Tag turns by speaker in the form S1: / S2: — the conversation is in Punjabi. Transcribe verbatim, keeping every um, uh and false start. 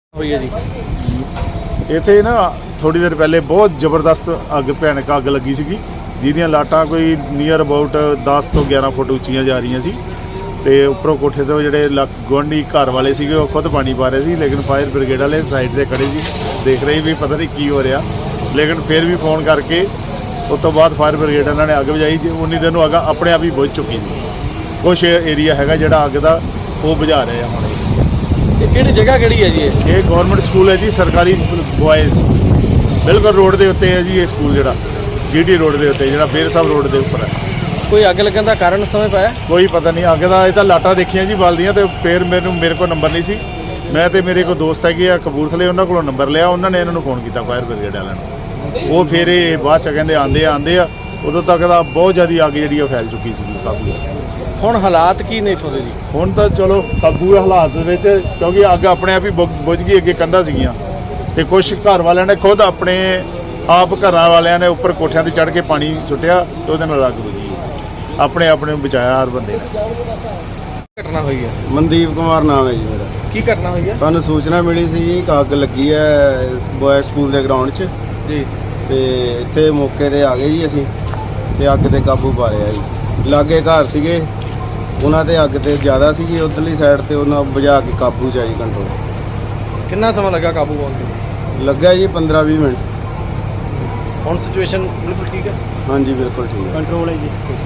S1: ਹੋਈ ਹੈ ਜੀ
S2: ਇੱਥੇ ਨਾ ਥੋੜੀ ਦੇਰ ਪਹਿਲੇ ਬਹੁਤ ਜ਼ਬਰਦਸਤ ਅੱਗ ਭਿਆਨਕ ਅੱਗ ਲੱਗੀ ਸੀਗੀ ਜਿਹਦੀਆਂ ਲਾਟਾਂ ਕੋਈ ਨੀਅਰ ਅਬਾਊਟ ਦਸ ਤੋਂ ਗਿਆਰਾਂ ਫੁੱਟ ਉੱਚੀਆਂ ਜਾ ਰਹੀਆਂ ਸੀ ਤੇ ਉੱਪਰੋਂ ਕੋਠੇ ਤੋਂ ਜਿਹੜੇ ਲੱਕ ਗੁਆਂਢੀ ਘਰ ਵਾਲੇ ਸੀਗੇ ਉਹ ਖੁਦ ਪਾਣੀ ਪਾ ਰਹੇ ਸੀ ਲੇਕਿਨ ਫਾਇਰ ਬ੍ਰਿਗੇਡ ਵਾਲੇ ਸਾਈਡ ਤੇ ਖੜੇ ਸੀ ਦੇਖ ਰਹੇ ਵੀ ਪਤਾ ਨਹੀਂ ਕੀ ਹੋ ਰਿਹਾ ਲੇਕਿਨ ਫਿਰ ਵੀ ਫੋਨ ਕਰਕੇ ਉਸ ਤੋਂ ਬਾਅਦ ਫਾਇਰ ਬ੍ਰਿਗੇਡ ਇਹਨਾਂ ਨੇ ਅੱਗ ਬੁਝਾਈ ਜੀ ਉਨੀ ਦਿਨ ਨੂੰ ਅੱਗ ਆਪਣੇ ਆਪ ਹੀ ਬੁਝ ਚੁੱਕੀ ਸੀ ਕੁਛ ਏਰੀਆ ਹੈਗਾ ਜਿਹੜਾ ਅੱਗ ਦਾ ਉਹ ਬੁਝਾ ਰਹੇ ਆ ਹੁਣ
S1: ਇਹ ਕਿਹੜੀ ਜਗ੍ਹਾ ਕਿਹੜੀ ਹੈ ਜੀ ਇਹ
S2: ਇਹ ਗਵਰਨਮੈਂਟ ਸਕੂਲ ਹੈ ਜੀ ਸਰਕਾਰੀ ਬॉयਜ਼ ਬਿਲਕੁਲ ਰੋਡ ਦੇ ਉੱਤੇ ਹੈ ਜੀ ਇਹ ਸਕੂਲ ਜਿਹੜਾ ਜੀਟੀ ਰੋਡ ਦੇ ਉੱਤੇ ਜਿਹੜਾ ਬੇਰ ਸਾਹਿਬ ਰੋਡ ਦੇ ਉੱਪਰ ਹੈ
S1: ਕੋਈ ਅੱਗ ਲੱਗਣ ਦਾ ਕਾਰਨ ਸਮਝ ਪਾਇਆ
S2: ਕੋਈ ਪਤਾ ਨਹੀਂ ਅੱਗ ਦਾ ਇਹ ਤਾਂ ਲਾਟਾਂ ਦੇਖੀਆਂ ਜੀ ਬਲਦੀਆਂ ਤੇ ਫਿਰ ਮੈਨੂੰ ਮੇਰੇ ਕੋਲ ਨੰਬਰ ਨਹੀਂ ਸੀ ਮੈਂ ਤੇ ਮੇਰੇ ਕੋਲ ਦੋਸਤ ਹੈਗੇ ਆ ਕਪੂਰਥਲੇ ਉਹਨਾਂ ਕੋਲੋਂ ਨੰਬਰ ਲਿਆ ਉਹਨਾਂ ਨੇ ਇਹਨਾਂ ਨੂੰ ਫੋਨ ਕੀਤਾ ਫਾਇਰ ਬ੍ਰਿਗੇਡ ਵਾਲਿਆਂ ਨੂੰ ਉਹ ਫਿਰ ਇਹ ਬਾਅਦ ਚ ਕਹਿੰਦੇ ਆਂਦੇ ਆ ਆਂਦੇ ਆ ਉਦੋਂ ਤੱਕ ਤਾਂ ਬਹੁਤ ਜ਼ਿਆਦਾ ਅੱਗ ਜਿਹੜੀ ਉਹ ਫੈਲ ਚੁੱਕੀ ਸੀ ਕਾਬੂ
S1: ਹੁਣ ਹਾਲਾਤ ਕੀ ਨੇ ਇੱਥੋਂ ਦੇ ਜੀ
S2: ਹੁਣ ਤਾਂ ਚਲੋ ਕਾਬੂ ਹਾਲਾਤ ਦੇ ਵਿੱਚ ਕਿਉਂਕਿ ਅੱਗ ਆਪਣੇ ਆਪ ਹੀ ਬੁ- ਬੁਝ ਗਈ ਅੱਗੇ ਕੰਧਾਂ ਸੀਗੀਆਂ ਤੇ ਕੁਝ ਘਰ ਵਾਲਿਆਂ ਨੇ ਖੁਦ ਆਪਣੇ ਆਪ ਘਰਾਂ ਵਾਲਿਆਂ ਨੇ ਉੱਪਰ ਕੋਠਿਆਂ ਤੇ ਚੜ੍ਹ ਕੇ ਪਾਣੀ ਸੁੱਟਿਆ ਤੇ ਉਹਦੇ ਨਾਲ ਅੱਗ ਬੁਝੀ ਆਪਣੇ ਆਪਣੇ ਨੂੰ ਬਚਾਇਆ ਹਰ ਬੰਦੇ ਨੇ
S1: ਘਟਨਾ ਹੋਈ ਹੈ
S3: ਮਨਦੀਪ ਕੁਮਾਰ ਨਾਮ ਹੈ ਜੀ ਮੇਰਾ।
S1: ਕੀ ਘਟਨਾ ਹੋਈ ਹੈ
S3: ਸਾਨੂੰ ਸੂਚਨਾ ਮਿਲੀ ਸੀ ਜੀ ਕਿ ਅੱਗ ਲੱਗੀ ਹੈ ਬॉय ਸਕੂਲ ਦੇ ਗਰਾਊਂਡ 'ਚ
S1: ਜੀ
S3: ਤੇ ਇੱਥੇ ਮੌਕੇ ਤੇ ਆ ਗਏ ਜੀ ਅਸੀਂ ਤੇ ਅੱਗ ਤੇ ਕਾਬੂ ਪਾ ਲਿਆ ਜੀ ਲਾਗੇ ਘਰ ਸੀਗੇ ਉਹਨਾਂ ਦੇ ਅੱਗ ਤੇ ਜ਼ਿਆਦਾ ਸੀਗੀ ਉਧਰਲੀ ਸਾਈਡ ਤੇ ਉਹਨਾਂ ਬੁਝਾ ਕੇ ਕਾਬੂ 'ਚ ਆਈ ਕੰਟਰੋਲ
S1: ਕਿੰਨਾ ਸਮਾਂ ਲੱਗਾ ਕਾਬੂ ਪਾਉਣ ਤੇ
S3: ਲੱਗਾ ਜੀ ਪੰਦਰਾਂ ਵੀਹ ਮਿੰਟ
S1: ਹੁਣ ਸਿਚੁਏਸ਼ਨ ਬਿਲਕੁਲ ਠੀਕ ਹੈ
S3: ਹਾਂਜੀ ਬਿਲਕੁਲ ਠੀਕ ਹੈ
S1: ਕੰਟਰੋਲ ਹੈ ਜੀ